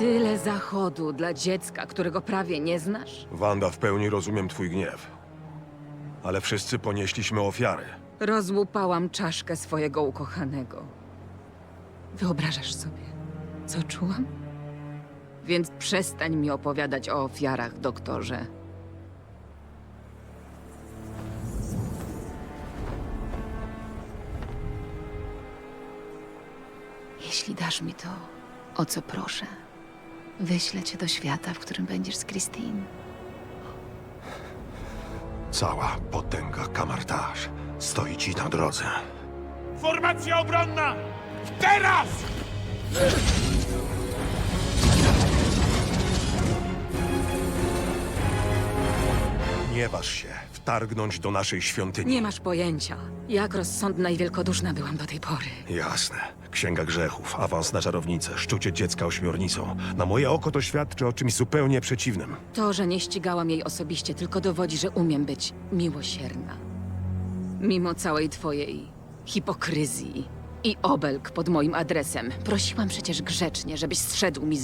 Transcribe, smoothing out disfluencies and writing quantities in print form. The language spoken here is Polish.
Tyle zachodu dla dziecka, którego prawie nie znasz? Wanda, w pełni rozumiem twój gniew. Ale wszyscy ponieśliśmy ofiary. Rozłupałam czaszkę swojego ukochanego. Wyobrażasz sobie, co czułam? Więc przestań mi opowiadać o ofiarach, doktorze. Jeśli dasz mi to, o co proszę, wyślę cię do świata, w którym będziesz z Christine. Cała potęga Kamartaż stoi ci na drodze. Formacja obronna! Teraz! Nie waż się wtargnąć do naszej świątyni. Nie masz pojęcia, jak rozsądna i wielkoduszna byłam do tej pory. Jasne. Księga grzechów, awans na czarownicę, szczucie dziecka ośmiornicą. Na moje oko to świadczy o czymś zupełnie przeciwnym. To, że nie ścigałam jej osobiście, tylko dowodzi, że umiem być miłosierna. Mimo całej twojej hipokryzji i obelg pod moim adresem, prosiłam przecież grzecznie, żebyś zszedł mi z